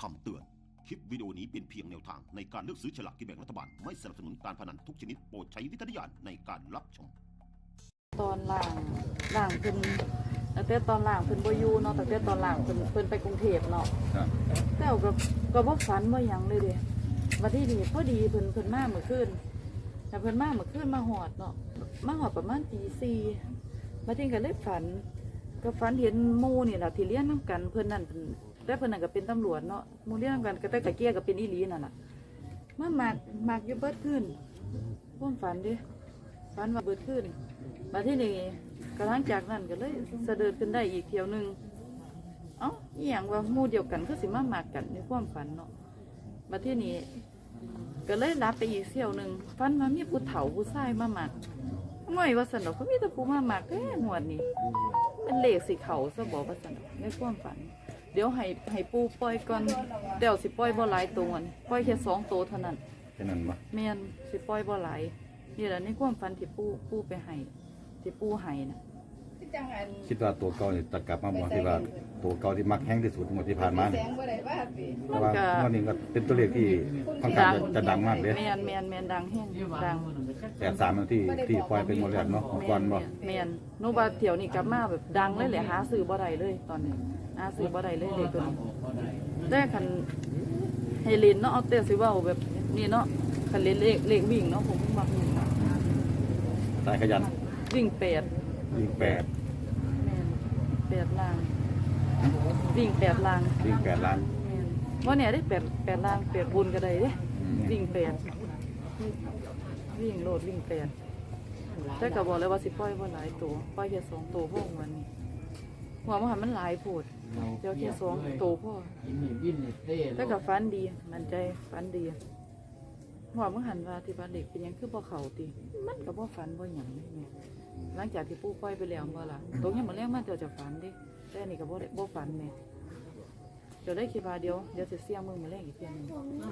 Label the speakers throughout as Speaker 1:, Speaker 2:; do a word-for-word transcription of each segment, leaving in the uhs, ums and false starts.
Speaker 1: คำเตือนคลิปวิดีโอนี้เป็นเพียงแนวทางในการเลือกซื้อฉลากกินแบ่งรัฐบาลไม่สนับสนุนการพนันทุกชนิดโปรดใช้วิจารณญาณในการรับชม
Speaker 2: ตอนล่างล่างเพิ่นตั้งแต่ตอนล่างเพิ่นบ่อยู่เนาะตั้งแต่ตอนล่างเพิ่นเพิ่นไปกรุงเทพเนาะแต่ก็ก็บ่ฝันบ่หยังเลยเด้วันที่นี่พอดีเพิ่นเพิ่นมาเมื่อคืนแต่เพิ่นมาเมื่อคืนมาฮอดเนาะมาฮอดประมาณตีสี่บัดนี้ก็เลยฝันก็ฝันเห็นหมู่นี่ล่ะที่เรียนนำกันเพิ่นนั่นเพิ่นแต่เพิ่นนั่นก็เป็นตำรวจเนาะหมู่เรียนนำกันก็แต่กะเกียก็เป็นอีหลีนั่นน่ะมามักมักอยู่เบิดคืนความฝันเด้ฝันว่าเบิดคืนมาที่นี่กระทั่งจากนั้นก็เลยเสด็จขึ้นได้อีกเที่ยวหนึ่งเอ้าอหย่างว่าหมู่เดียวกันก็สิมาหมากกันในความฝันเนาะมาที่นี่ก็เลยรับไปอีกเที่ยวหนึ่งฝันว่ามีผู้เฒ่าผู้ชายมาหมากง่อยว่าสนุกเขามีแต่ผู้มาหมากแค่หัวนี่เป็นเหล็กสีเขาซะบอกว่าสนุกในความฝันเดี๋ยวให้ให้ปูปล่อยก่อนเดี๋ยวสิปล่อยบ่หลายตัวปล่อยแค่สองตัวเท่านั้น
Speaker 3: แค่นั้นปะ
Speaker 2: แม่นสิปล่อยบ่หลายนี่แหละในความฝันที่ปูปูไปให้ที่ปูให้นะ
Speaker 3: คิดว่าตัวเก่าเนี่ยตัดกลับมาบอกที่ว่าตัวเก่าที่มักแห้งที่สุดหมดที่ผ่านมาเนี่ยแต่ว่าวันนี้ก็เป็นตัวเลขที่ค่อนข้างจะดังมากเลย
Speaker 2: แมนแมนแมนดังแห้งดัง
Speaker 3: แต่สามที่ที่ปล่อยเป็นโมเดลเนาะก่อนบ่
Speaker 2: แมนโนบาเที่ยวนี่กลับมาแบบดังเลยแหละหาซื้อบ่ได้เลยตอนนี้หาซื้อบ่ได้เลยเลยตัวนี้ได้คันเฮลินเนาะเอาแต่สิว่าแบบนี้เนาะคันเล่นเลขเลขวิ่งเนาะผมมักวิ่ง
Speaker 3: สายขยัน
Speaker 2: วิ่งแปด
Speaker 3: วิ่งแปด
Speaker 2: แมนแปดล่างวิ่งแปดล่าง
Speaker 3: วิ่งแปดล้าน
Speaker 2: ว่าเนี่ยได้แปดแปดล่างแปดบุญก็ได้เด้วิ่งแปดวิ่งโลดวิ่งแปดแต่ก็บอกเลยว่าสิปล่อยว่าหลายตัวปล่อยแค่สองตัวพ่อวันนี้หัวมันมันหลายโผดเดี๋ยวแค่สองตัวพ่อแต่ก็ฟันดีมันใจฟันดีหัวมันหันว่าที่บ้านเด็กเป็นยังคือบ่เขาตีมันก็บ่ฟันบ่หยังเลยเนี่ยหลังจากที่ปู่ปล่อยไปแล้วบ่ล่ะตรงนี้มันแรงมากเดี๋ยวจะฟันดิแต่นี่ก็บ่ได้บ่ฟันเนี่ยเดี๋ยวได้คิดว่าเดี๋ยวเดี๋ยวจะเสี่ยงมือมาแรงอีกเพียงนึง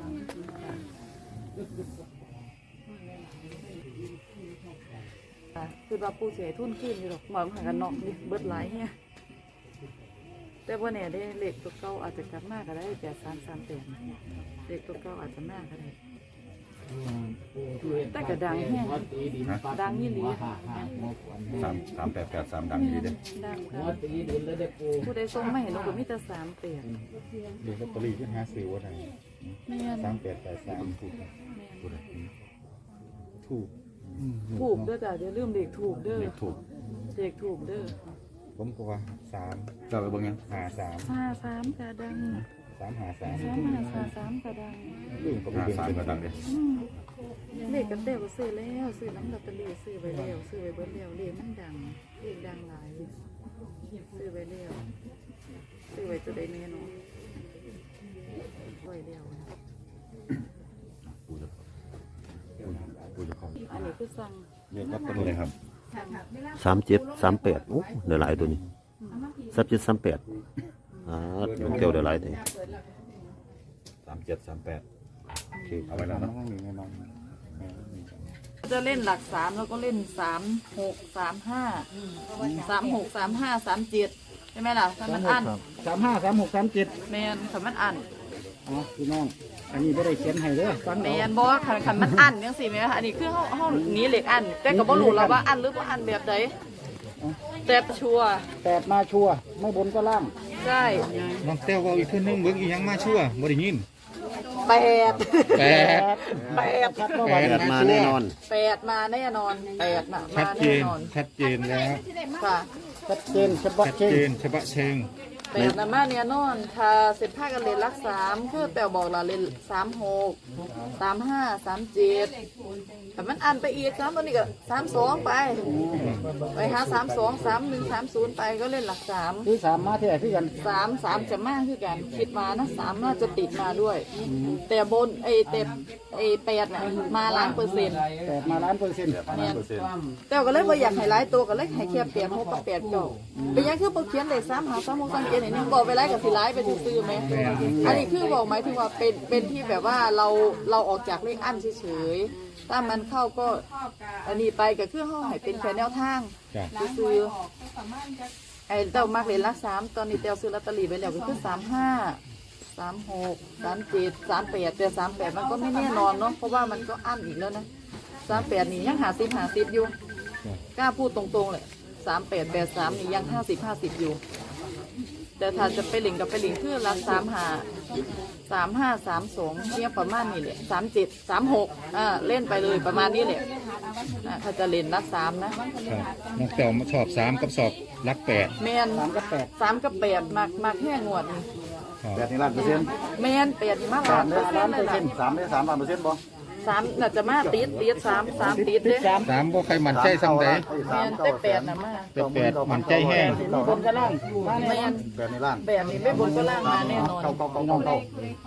Speaker 2: คือว่าปู่เสียทุนขึ้นอยู่หรอกหมอนหันกันนอกนี่เบิดหลายเนี่ยแต่ว่าเนี่ยได้เหล็กตัวเก่าอาจจะกลับมากก็ได้แปดสามสามแปดเหล็กตัวเก่าอาจจะมากก็ได้แต่กระดังแห้งดังยี่หลี
Speaker 3: สามสามแปดแปดสามดังดีเด้
Speaker 2: ดังผู้ใดส่งไม่เห็นเราก็มีแต่สามแปด
Speaker 3: เดี๋ยวลอตเตอรี่ที่หาซื้อว่าไงสามแปดแปดสามถูกถูก
Speaker 2: ถูกเด้อจ้ะเดี๋ยวลืมเด็กถูกเด้อ
Speaker 3: ถูก
Speaker 2: เด็กถูกเด้อ
Speaker 3: ผมก็ว่าสามเราไปเบิ่งยังหาสาม
Speaker 2: หาสามกระดัง
Speaker 3: สามหาสาม
Speaker 2: สามหาสามสามกระดัง
Speaker 3: ลืมก็ไปเบิ่งสามกระดังเลย
Speaker 2: เลขกันเต้ก็ซื้อแล้วซื้อน้ำลอตเตอรี่ซื้อไปแล้วซื้อไปเบิ้ลแล้วเลขมันดังเลขดังหลายซื้อไปแล้วซื้อไปจะได้แน่นอนไว้แล้วอันนี้คือสั่ง
Speaker 3: เรียกว่าตัวไหนครับ
Speaker 1: สามเจ็ดสามแปดโอ้เดี๋ยวหลายตัวนี้สามเจ็ดสามแปดอ่าลูกเตียวเดี๋ยวหลายตัว
Speaker 3: สามเจ็ดสามแปดเอาไว้แล้วนะห้องนี้แน่นอน
Speaker 2: จะเล่นหลักสามแล้วก็เล่นสามหกสามห้าสามหกสามห้าสามเจ็ดใช่ไหมล่ะถ้ามันอั้น
Speaker 4: สามห้าสามหกสามเจ็ด
Speaker 2: แมนถ้ามันอั้น
Speaker 4: อ๋อพี่น้องอันนี้ไม่ได้เขียนให้เด้อฟัง
Speaker 2: แมนบอกว่าขันมันอั้นยังสิไหมอันนี้คือห้องห้องนี้เหล็กอั้นแต่ก็บ่รู้แล้วว่าอั้นหรือว่าอั้นแบบไหนแต่ชัว
Speaker 4: แปดมาชัวไม่บนก็ล่าง
Speaker 2: ใช่
Speaker 3: น้องเต้วว่าอีกขึ้นนึงเบิ้งอีกยังมาชัวบ่ได้ยิน
Speaker 2: แปด
Speaker 3: แปด
Speaker 2: แปด
Speaker 3: แปด
Speaker 1: มาแน่นอน
Speaker 2: แปดมาแน่นอนแปดมา
Speaker 3: ชัดเจนชัดเจนแล้ว
Speaker 2: ค่ะ
Speaker 4: ชัดเจนฉบับ
Speaker 3: เชงฉบับเชง
Speaker 2: แปดนะมาเนี่ยนอนถ้าเสร็จผ้ากันเลนรักสามคือแปลบอกเราเลนสามหกสามห้าสามเจ็ดแต่มันอันไปอีกนะตัวนี้ก็สามสองไปไปหาสามสองสามหนึ่งสามศูนย์ไปก็เล่นหลักสาม
Speaker 4: คือสามมาที่ไหนพี่กัน
Speaker 2: สามสามจะมากคือกันคิดมานะสามน่าจะติดมาด้วย แต่บนไอเต็มไอแปดน่ะมาล้านเปอร์เซ็นต์
Speaker 4: แปดมาล้านเปอร์เซ็นต์
Speaker 2: แต่ก็เลยว่าอยากให้หลายตัวก็เลยให้แค่แปดหกกับแปดเก้าเป็นยังคือโปรเขียนเลยสามหาสามหกสามเจ็ดเนี่ยบอกไปไล่กับสีไล่ไปซื้อไหมอันนี้คือบอกหมายถึงว่าเป็นเป็นที่แบบว่าเราเราออกจากเลขอั้นเฉยๆถ้ามันเข้าก็อันนี้ไปกับเครื่องห้องให้เป็นแค่แนวทางซื้อไอ้เต้ามากเลยละสามตอนนี้เต้าซื้อลอตเตอรี่ไปแล้วก็คือสามห้าสามหกสามเจ็ดสามแปดแต่สามแปดมันก็ไม่แน่นอนเนาะเพราะว่ามันก็อั้นอีกแล้วนะสามแปดนี่ยังหาสิบหาสิบอยู่กล้าพูดตรงๆเลยสามแปดแปดสามนี่ยังห้าสิบห้าสิบอยู่แต่ถ้าจะไปหลิงกับไปหลิงคือรักสามหาสามห้าสามสองเนี่ยประมาณนี้แหละสามเจ็ดสามหกอ่าเล่นไปเลยประมาณนี้แหละอ่าถ้าจะเล่นรักสามนะครับ
Speaker 5: น้องแต้วชอบสามกับสอบรักแปด
Speaker 2: แมน
Speaker 4: สามกับแปด
Speaker 2: สามกับแปดมากมากแค่งวดนี่
Speaker 3: แปดนี่ล้านเปอร์เซ็นต์
Speaker 2: แมนแปดนี่มาก
Speaker 3: สา
Speaker 2: ล้าม น
Speaker 3: ได้
Speaker 2: เปอร์เซ็น
Speaker 3: ล้าน
Speaker 2: ต์
Speaker 3: เป
Speaker 2: เล
Speaker 3: อย ร์เซ็นต์สามได้
Speaker 2: นะ
Speaker 3: สามล้านเปอร์เซ็นต์บ่
Speaker 2: สามน่าจะมาติดติดสามสามติดเด้
Speaker 4: สาม
Speaker 5: สามบ่ใครมั่นใจซ้ำใด
Speaker 2: แมนได้แปดนะมา
Speaker 5: แต่แปดมั่นใจแห้ง
Speaker 4: มีบนกับล่างมา
Speaker 2: แม
Speaker 4: แน่นอน
Speaker 2: น
Speaker 3: แปดนี่ล้าน
Speaker 2: แปดนี่ไม่บนก็ล่างมาแน่นอน
Speaker 3: เก้าเก้าเก้าเก้าเก้า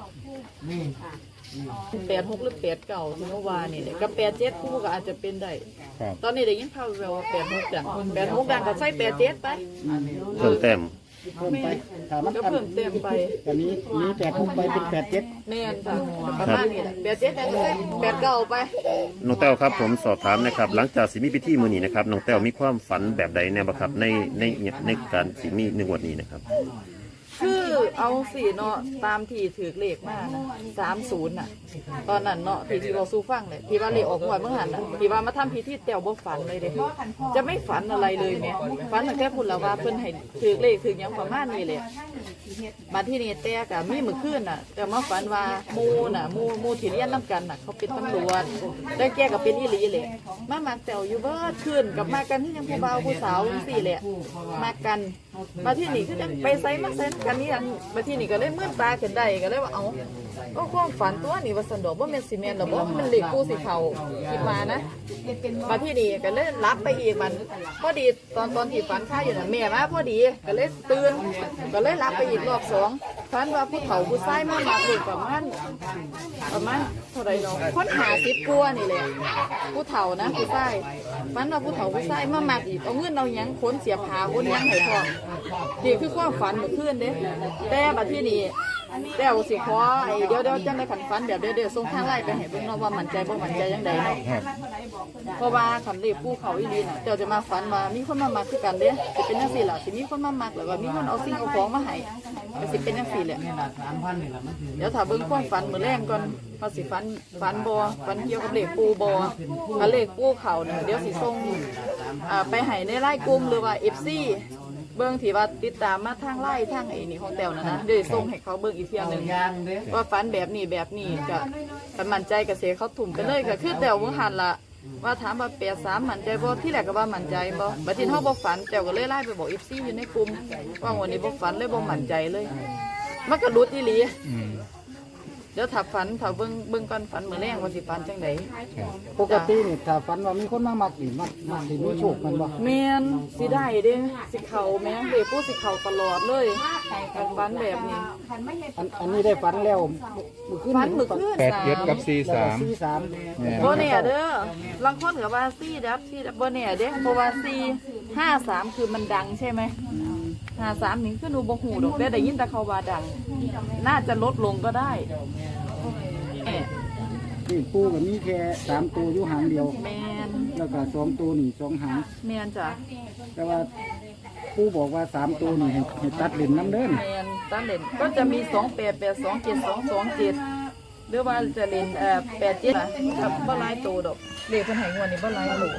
Speaker 2: แปดหกหรือแปดเก่าที่เมื่อวานนี่แหละกับแปดเจ็ดคู่ก็อาจจะเป็นได้
Speaker 5: ครับ
Speaker 2: ตอนนี้ได้ยินข่าวแววว่าแปดหกดังแปดหกดังก็ใส่แปดเจ็ดไป
Speaker 1: เพิ่มแต้ม
Speaker 4: เพิ่มไปถ้ามัน
Speaker 2: ก็
Speaker 4: อัน
Speaker 2: เพิ่มเต็มไป
Speaker 4: อันนี้มีแปดหกไปเป็นแปดเจ็ด
Speaker 2: แม่นจ้ะประมาณนี้แหละแปดเจ็ดก็ใส่แปดเก่าไป
Speaker 1: น้องแต้วครับผมสอบถามนะครับหลังจากสิมีพิธีมื้อนี้นะครับน้องแต้วมีความฝันแบบใดแน่บ่ครับในในในการสิมีในงวดนี้นะครับ
Speaker 2: คือเอาสี่เนาะตามที่ถือเลขมานะสามศูนย์น่ะ ตอนนั้นเนาะที่ที่เราสู้ฟังเลยที่ว่าเลขออกงวดเมื่อหันน่ะที่ว่ามาทำพิธีแต้วบ่ฝันเลยเด้จะไม่ฝันอะไรเลยแม่ฝันแต่แค่พูดแล้วว่าเพิ่นให้ถือเลขถือหยังประมาณนี้แหละมาที่นี่แต่ก็มีมื้อคืนน่ะแต่มาฝันว่าหมู่น่ะหมู่หมู่ที่เรียนนํกันน่ะเขาเป็นตำรวจได้แก่ก็เป็นอีหลีแหละมามักแต้วอยู่เบิดคืนกับมากันที่ยังผู้บ่าวผู้สาวจังซี่แหละมากันมาที่นี่คือจังไปไสมาไสกันนี่อันมาที่นี่ก็เลยมืดตาขึ้นได้ก็เลยว่าเอ้าก็ความฝันตัวนี้ว่าสันดอกบ่แม่นสิแม่นดอกบ่มันเลขกูสิเข้าคิดว่านะมาที่นี่ก็เลยรับไปอีกมันพอดีตอนตอนที่ฝันค้าอยู่น่ะแม่มาพอดีก็เลยตื่นก็เลยรับไปอีกรอบสองฝันว่าผู้เฒ่าผู้ชายมามาลูกประมาณประมาณเท่าใดเนาะคนหาสิบกว่านี่แหละผู้เฒ่านะผู้ชายฝันว่าผู้เฒ่าผู้ชายมามักอีกเอาเงินเอาหยังขนเสียบขาขนหยังให้พร้อมนี่คือความฝันเมื่อคืนเด้แต่บัดที่นี่แต่วสิขอไอ้เดี๋ยวเดี๋ยวจังได้ขันฝันแบบเดี๋ยวเดี๋ยวส่งทางไลน์ไปให้เบิ่งเนาะว่ามั่นใจบ่มั่นใจจังไดเนาะเพราะว่าคันเลขผู้เขาอีหลีน่ะเจ้าจะมาฝันว่ามีคนมามักคือกันเด้สิเป็นจังซี่ล่ะสิมีคนมามักแล้วก็มีคนเอาสิ่งเอาของมาให้ก็สิเป็นจังซี่แหละเดี๋ยวถ้าเบิ่งความฝันมื้อแรงก่อนว่าสิฝันฝันบ่ฝันเกี่ยวกับเลขปูบ่ถ้าเลขปูเขาเนี่ยเดี๋ยวสิส่งอ่าไปให้ในไลน์กลุ่มหรือว่า เอฟ ซี เบิ่งที่ว่าติดตามมาทางไล่ทางไอ้นี่ของแต้วนะนะเดี๋ยวส่งให้เขาเบิ่งอีกเที่ยหนึงว่าฝันแบบนี้แบบนี้ก็ถ้ามั่นใจก็เสียเขาถุ่มไปเลยก็คือแต้วเมื่อหันละว่าถามว่าแปดสามมั่นใจบ่ที่แรกก็ว่ามั่นใจบ่บัดทีเฮาบ่ฝันแต้วก็เลยไล่ไปบอก เอฟ ซี อยู่ในกลุ่มว่าวันนี้บ่ฝันเลยบ่มั่นใจเลยมันก็หลุดอีหลีเดี๋ยวถ้าฝันถ้าเบิ่งเบิ่งก่อนฝันมื้อแรงว่าสิฝันจังได๋
Speaker 4: ปกตินี่ถ้าฝันว่ามีคนมามักนี่มักมักสิมีโชคมันบ่
Speaker 2: แม่นสิได้เด้สิเข้าแม่เด็กผู้สิเข้าตลอดเลยการฝันแบบนี้
Speaker 4: อันอันนี้ได้ฝันแล้วมื้อคืน
Speaker 2: ฝันมื้อคืน
Speaker 5: แปดเจ็ดกับสี่สาม
Speaker 4: สี่สาม
Speaker 5: แม่น
Speaker 2: บ่แน่เด้อลางคนก็ว่าสี่ดับสี่ดับบ่แน่เด้เพราะว่าสี่ห้าสามคือมันดังใช่ไหมห้าสามนี่คือหนูบ่ฮู้ดอกแต่ได้ยินแต่เขาว่าดัง น่าจะลดลงก็ได้แหม่
Speaker 4: นี่ปูก็มีแค่สามตัวอยู่หางเดียว
Speaker 2: แม่น
Speaker 4: แล้วก็สองตัวนี่สองหาง
Speaker 2: แม่นจ้ะ
Speaker 4: แต่ว่าปูบอกว่าสามตัวนี่ให้ให้ตัดเล่นน้ำเด้น
Speaker 2: แม่นตามเล่นก็จะมีสองแปด แปดสอง เจ็ดสอง สองเจ็ดหรือว่าจะเล่นเอ่อแปดเจ็ดกับบ่หลายตัวดอกเลขเพิ่นให้งวดนี้บ่หลายตัว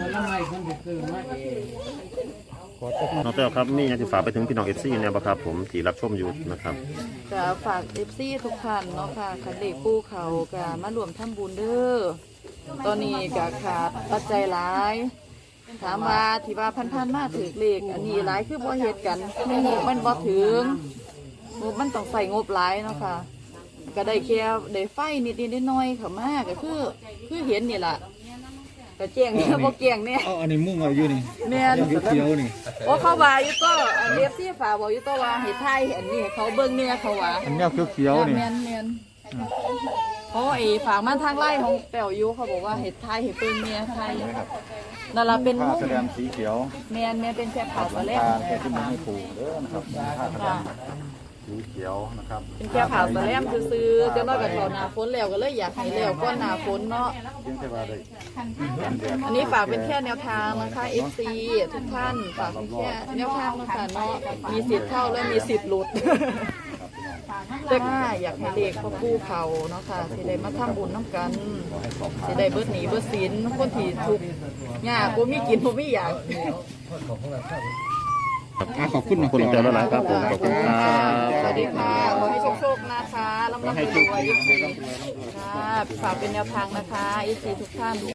Speaker 1: น้องแต้วครับมีอยากจะฝากไปถึงพี่น้อง เอฟ ซี แนวบ่ครับผมที่รับชมอยู่นะครับ
Speaker 2: ก็ฝาก เอฟ ซี ทุกท่านเนาะค่ะคันเลขปูเขาก็มารวมทำบุญเด้อตอนนี้ก็ขาดปัจจัยหลาย ถามว่าที่ว่าพันๆมาถือเลขอันนี้หลายคือบ่เฮ็ดกันงบมันบ่ถึงงบมันต้องใส่งบหลายเนาะค่ะก็ได้แค่ได้ไฟนิดๆน้อยๆเข้ามาก็คือคือเห็นนี่ล่ะก็แจ้งเนี่ยบ่แจ้งเนี่ย
Speaker 5: เอาอันนี้มุ่งเอาอยู่นี่
Speaker 2: แม่น
Speaker 5: เขียวๆนี่
Speaker 2: โอ้เขาว่าอยู่ตัวเรียบซี่ฝาบอกอยู่ตัวว่าให้ทายอันนี้ให้เขาเบิ่งเนี่ยเขาว่า
Speaker 5: อันนี้เขียวๆนี่
Speaker 2: แม่นแม่นเพราะไอ้ฝากมันทางไล่ของแป๋วอยู่เขาบอกว่าเห็ดไทยเห็ดเบิ่งเนี่ยไทยนั่นล่ะเป็น
Speaker 3: ผ้า
Speaker 2: มุ้ง
Speaker 3: แสดงสีเขียว
Speaker 2: แม่นแม่นเป็นแค่ผ่าสะแลม
Speaker 3: ผ้าแค่ที่มันให้ปูเด้อนะครับผ้าแสด
Speaker 2: ค่ะ
Speaker 3: งสีเขียวนะครับ
Speaker 2: เป็นแค่ผ่าสะแลมซื่อๆจะน้อยกับเขาหน้าฝนแล้วก็เลยอยากให้แล้วก็หน้าฝนเนาะ
Speaker 3: เพียงแต่ว่าได้
Speaker 2: อันนี้ฝากเป็นแค่แนวทางนะคะ เอฟ ซี ทุกท่านฝากเป็นแค่แนวทางนะคะเนาะมีสิทธิ์เข้าและมีสิทธิ์หลุดแต่อยากให้เลขพ่อปู่เขาเนาะค่ะสิได้มาทำบุญน้ำกันสิได้เบิดหนีเบิดศีลคนที่ทุกข์ยากบ่มีกินบ่มีอยาก
Speaker 5: อ่ะขอบคุณ
Speaker 6: ขอบคุณอาจารย์หลายๆครับผมขอบคุณครับ
Speaker 2: สวัสดีค่ะขอให้โชคๆนะคะลำลำรวยๆค่ะฝากเป็นแนวทางนะคะอีซีทุกท่าน